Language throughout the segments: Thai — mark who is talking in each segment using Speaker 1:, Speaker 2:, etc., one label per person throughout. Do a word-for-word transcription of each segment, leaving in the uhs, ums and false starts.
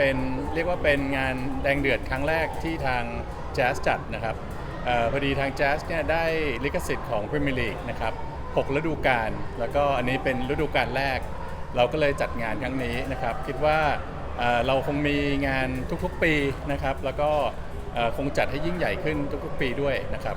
Speaker 1: เป็นเรียกว่าเป็นงานแดงเดือดครั้งแรกที่ทางแจ๊สจัดนะครับออพอดีทางแจ๊สเนี่ยได้ลิขสิทธิ์ของพรีเมียร์ลีกนะครับหกฤดูกาลแล้วก็อันนี้เป็นฤดูกาลแรกเราก็เลยจัดงานครั้งนี้นะครับคิดว่าเเราคงมีงานทุกๆปีนะครับแล้วก็คงจัดให้ยิ่งใหญ่ขึ้นทุกๆปีด้วยนะครับ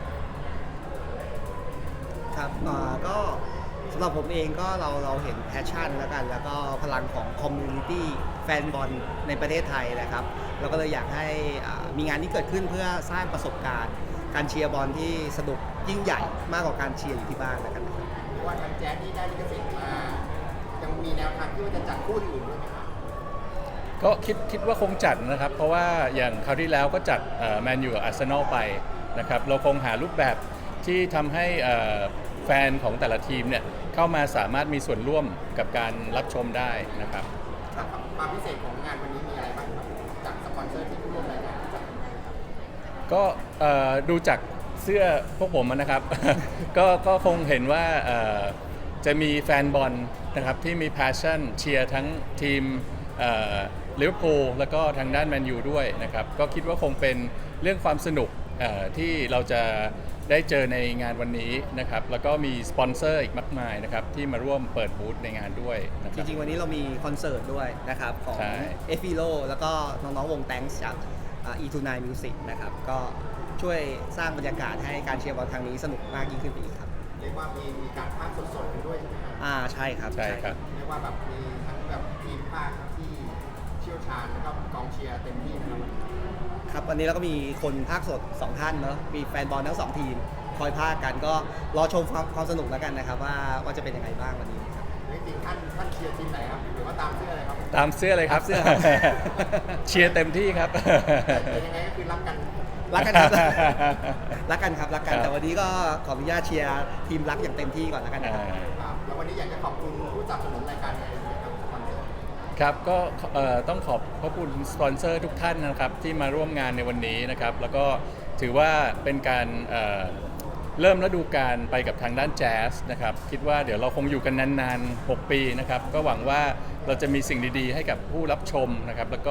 Speaker 2: ครับก็สำหรับผมเองก็เราเราเห็นแพชชั่นแล้วกันแล้วก็พลังของคอมมูนิตี้แฟนบอลในประเทศไทยนะครับเราก็เลยอยากให้มีงานนี้เกิดขึ้นเพื่อสร้างประสบการณ์การเชียร์บอลที่สนุกยิ่งใหญ่มากกว่าการเชียร์อยู่ที่บ้านแล้วกันนะครับ
Speaker 3: ว่าทางแจ๊สที่ได้ลิขสิทธิ์มายังมีแนวทางที่ว่าจะจัดคู่อื่นด้วยไหมครับ
Speaker 1: ก็คิดคิดว่าคงจัดนะครับเพราะว่าอย่างคราวที่แล้วก็จัดแมนยูกับอาร์เซนอลไปนะครับเราคงหารูปแบบที่ทำให้แฟนของแต่ละทีมเนี่ยเข้ามาสามารถมีส่วนร่วมกับการรับชมได้นะครับ
Speaker 3: ความพิเศษของงานวันนี้มีอะไรบ้างครับจากสปอนเซอร์ที่ร่วมรายการ
Speaker 1: ก็ดูจากเสื้อพวกผมนะครับ ก็ก็คงเห็นว่าจะมีแฟนบอลนะครับที่มี passion เชียร์ทั้งทีมลิเวอร์พูลแล้วก็ทางด้านแมนยูด้วยนะครับก็คิดว่าคงเป็นเรื่องความสนุกที่เราจะได้เจอในงานวันนี้นะครับแล้วก็มีสปอนเซอร์อีกมากมายนะครับที่มาร่วมเปิดบูธในงานด้วยนะครับ
Speaker 2: จริงๆวันนี้เรามีคอนเสิร์ตด้วยนะครับของเอฟ โลแล้วก็น้องๆวงแตงส์จากอีทูไนมิวสิกนะครับก็ช่วยสร้างบรรยากาศให้การเชียร์บอลครั้งนี้สนุกมากยิ่งขึ้นไปอีกครับ
Speaker 3: เรียกว่ามีมีการพากย์สดๆกันด้วยใช่ไหมครับ
Speaker 2: อ่าใช่ครับ
Speaker 1: ใช่ครับ
Speaker 3: เรียกว่าแบบมีทั้งแบบทีมพากย์ที่เชี่ยวชาญแล้วก็กองเชียร์เต็มที่นะครับ
Speaker 2: ครับวันนี้เราก็มีคนพากย์สดสองท่านเนาะมีแฟนบอลทั้งสองทีมคอยพากย์กันก็รอชมความความสนุกแล้วกันนะครับว่าว่าจะเป็นยังไงบ้างวันนี้ครับ
Speaker 3: จริงๆท่านท่านเชียร์ทีมไหนครับหรือว่าตามเสื้ออะไรครับ
Speaker 1: ตามเสื้อเลยครับ
Speaker 2: เสื้อ
Speaker 1: เชียร์เต็มที่ครับ
Speaker 3: ยังไงก็คือรักกัน
Speaker 2: รักกันครับรักกันครับรักกันแต่วันนี้ก็ขออนุญาตเชียร์ทีมรักอย่างเต็มที่ก่อนแล้วกันนะครับ
Speaker 3: แล้ววันนี้อยากจะขอบคุณผู้สนับสนุนรายการในสปอนเซอร์
Speaker 1: ครับก็ต้องขอบพระคุณสปอนเซอร์ทุกท่านนะครับที่มาร่วมงานในวันนี้นะครับแล้วก็ถือว่าเป็นการเริ่มฤดูกาลไปกับทางด้านแจ๊สนะครับคิดว่าเดี๋ยวเราคงอยู่กันนานๆหกปีนะครับก็หวังว่าเราจะมีสิ่งดีๆให้กับผู้รับชมนะครับแล้วก็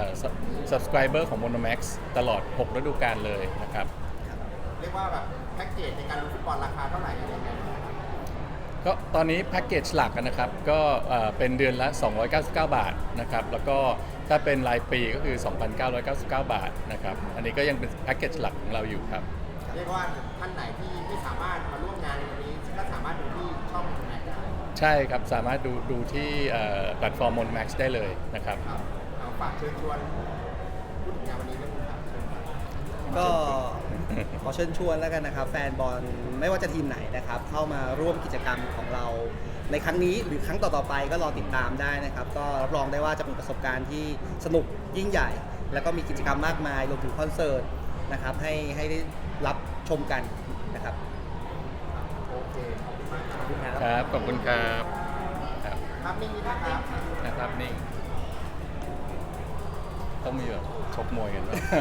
Speaker 1: subscriber ของ Monomax ตลอดหกฤดูกาลเลยนะครับ
Speaker 3: เรียกว่าแบบแพ็กเกจในการดูฟุตบอลราคาเท่าไหร่อะไรเงี้ย
Speaker 1: ก็ตอนนี้แพ็กเกจหลักนะครับก็เป็นเดือนละสองร้อยเก้าสิบเก้าบาทนะครับแล้วก็ถ้าเป็นรายปีก็คือ สองพันเก้าร้อยเก้าสิบเก้า บาทนะครับอันนี้ก็ยังเป็นแพ็กเกจหลักของเราอยู่ครับ
Speaker 3: เรียกว่าท่านไหนที่ไม่สามารถมาร่วมงานในวันนี้ก็สามารถดูที่ช่องไหนได้
Speaker 1: ใช่ครับสามารถดูดูที่แพลตฟอร์ม Monomax ได้เลยนะครับ
Speaker 3: เอาฝากเชิญชวนพูดถึงงานวันนี้ด้วยครับ
Speaker 2: ก็ขอเชิญชวนแล้วกันนะครับแฟนบอลไม่ว่าจะทีมไหนนะครับเข้ามาร่วมกิจกรรมของเราในครั้งนี้หรือครั้งต่อๆไปก็รอติดตามได้นะครับก็รับรองได้ว่าจะเป็นประสบการณ์ที่สนุกยิ่งใหญ่ แล้วก็มีกิจกรรมมากมายรวมถึงคอนเสิร์ตนะครับให้ให้ได้รับชมกันนะครับ
Speaker 3: โอเคขอบคุณมาก
Speaker 1: ครับขอบคุณครับ
Speaker 3: ครับครับนิ่งนี่นะครับ
Speaker 1: นะครับนิ่งต้องมีแบบชกมวยกันด้วย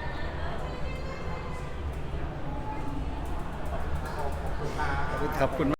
Speaker 1: ขอบคุณ